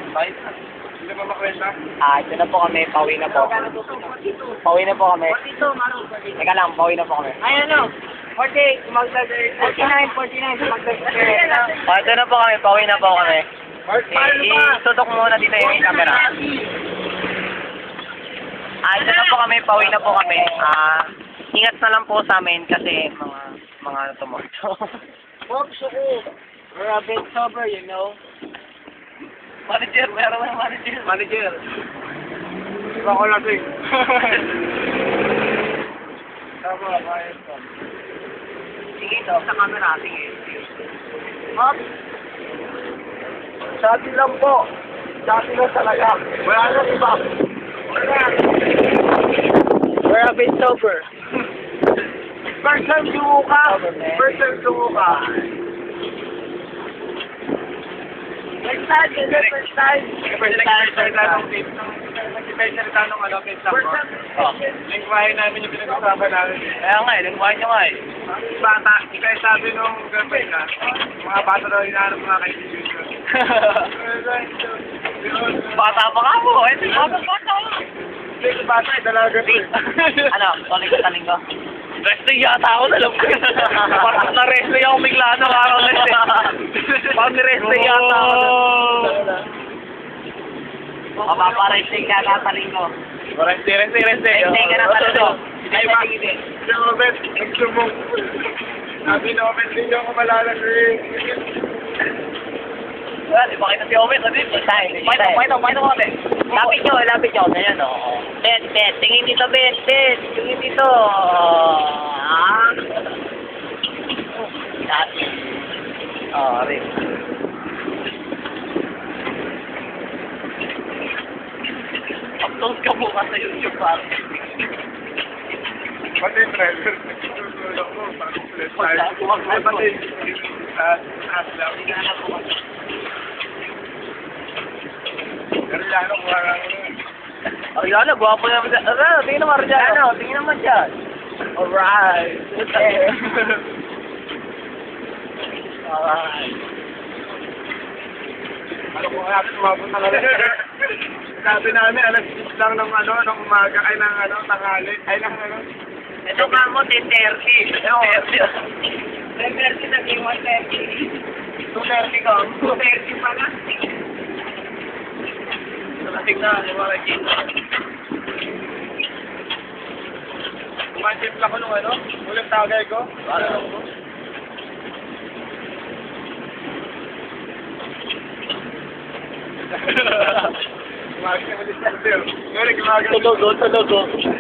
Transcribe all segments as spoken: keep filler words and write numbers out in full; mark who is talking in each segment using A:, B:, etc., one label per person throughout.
A: Bye. Hindi ba makwenta?
B: Ah, ito na po kami. Pauwi na po. Pauwi na po kami. Teka lang, pauwi na po kami.
C: Ay, ano? forty, forty-nine, forty-nine, forty-nine.
B: Oh, ito na po kami. Pauwi na po kami. I- Itutok muna dito yung camera. Ah, ito na po kami. Pauwi na po kami. Ah, ingat na lang po sa amin kasi mga mga tumoto.
C: Oops, ako. We're a bit sober, you know.
B: Manager, meron na manager.
A: Manager. Iba ko lasing. Tama, kaya ito.
B: Sige ito, sa camera. Sige.
C: Oops.
A: Sa atin lang po. Sa atin lang talaga. Wala nang iba. Wala.
C: We're a bit sober.
A: First time sumo ka. First time sumo ka.
C: First time, is it first time?
A: First time, first time ng team. Nag-specialita nung ano, team lang ko. Oh, lingwahe namin yung pinag-usapan namin.
B: Kaya nga eh, lingwahe nyo nga eh.
A: Bata, kaya sabi nung girlfriend na, mga bata daw hinahanap mga kaibigan.
B: Bata pa ka mo. Eh, bata bata.
A: Hindi, bata eh, dalaga ko eh.
B: Ano, tuloy ka taling ko? Wrestling yata ako, alam ko. Parang na-wrestling ako bigla na araw na eh. Parang ni-wrestling yata ako. Mapapa-wrestling ka na taling ko.
A: Reste, reste, reste.
B: Wrestling ka na taling ko.
A: Ay, ba? Si Robert, nagsumong. Sabi na Robert, hindi ako malala eh.
B: Well, ipakita si Owen, sabi ko. Pakita, pakita, pakita ko kami. Lapit nyo, lapit nyo. Ayan o. Bet, bet. Tingin dito, bet, bet. Tingin dito. Ah. Dati. Oh, rin. Upload ka mukha sa YouTube, pare.
A: Pati yung driver, nagsusulong ko, parang ulit tayo. Ay, pati yung aslam. Ariano, parang...
B: Ariana, gwapo naman dyan. Ara, tingin naman Ariana. Tingin naman dyan. Alright. Alright.
A: Ano kung natin umabot ng alas? Sabi namin, alas six lang ng ano, ng umaga, ay ng ano, tanghali, ay ng ano.
B: Ito ka mo, ten thirty.
C: ten thirty naging one thirty.
B: two thirty ka.
C: two thirty pa na.
B: Nalasing na, yung mga gin.
A: Kumanchip lang ko nung ano, ulit tagay ko. Ano lang ko? Kumakas naman din sa sir. Ngayon, kumakas.
B: Tulogo, tulogo.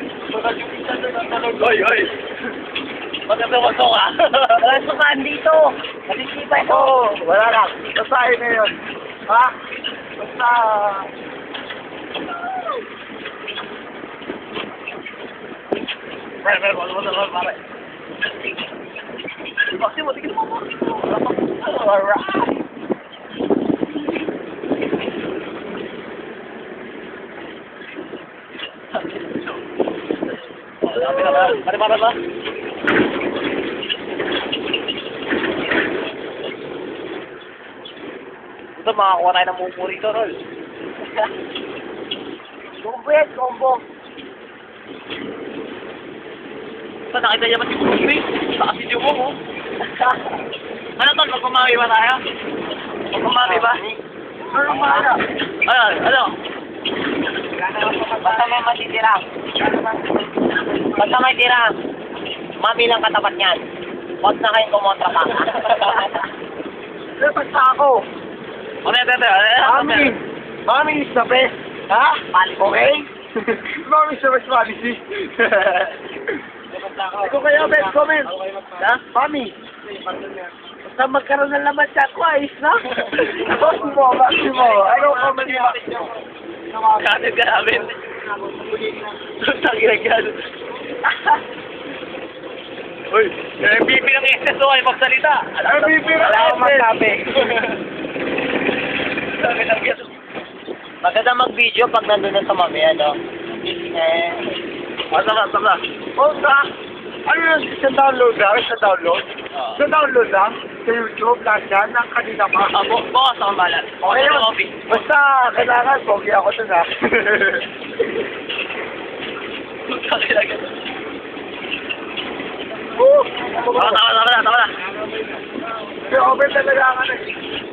B: Oy, oy. Maganda mo ito ka. Wala sukaan dito. Nalisipan ko.
A: Oo, wala lang. Basahin na yun. Ha? Basta...
B: Pare, pare, wala mo na lang, pare. Bakit mo, tigil mo mo. Alright. Lapit na ba? Pare, pare ba? Ito, makakuha tayo ng mupo rito, Rol.
C: Combo yan, combo.
B: Ito, nakita niya ba si Bruce? Saka si Jumo, oh. Ano to? Magpumami ba tayo? Magpumami ba?
C: Ano mahala?
B: Ano? Ano?
C: Basta may matitira.
B: Basta may tira. Mami lang katapat niyan. Huwag na kayong kumontra pa.
C: Pero basta ako.
B: Ano yan, tete? Ano yan?
A: Mami! Mami is the best! Ha? Okay? Mami is the best policy. Ikaw kayo, best comment.
B: Ha?
A: Mami!
C: Basta magkaroon ng laman siya ako, ayos na.
A: Boss mo, boss mo. Ano ka mali
B: Kanin ka namin. Tangina ka. Uy, M V P ng S S O ay magsalita.
A: M V P ng
B: Wala akong
A: S S.
B: masabi. Sabi ng S S O. Maganda mag-video pag nandun na sa mami, ano? Eh,
A: Asa ka, asa ka. Oh, sa? Ano yun? Sa download lang? Sa download?
B: Oo.
A: Sa download lang? sa YouTube, lahat yan, ng kanina pa.
B: Ah, bu bukas ako balat.
A: Okay
B: Ano
A: yun.
B: coffee?
A: Basta, kailangan, pogi ako dun ha.
B: Magkakilagan.
A: Woo!
B: Tama, tama, tama na, tama na.
A: May open talaga ka na eh.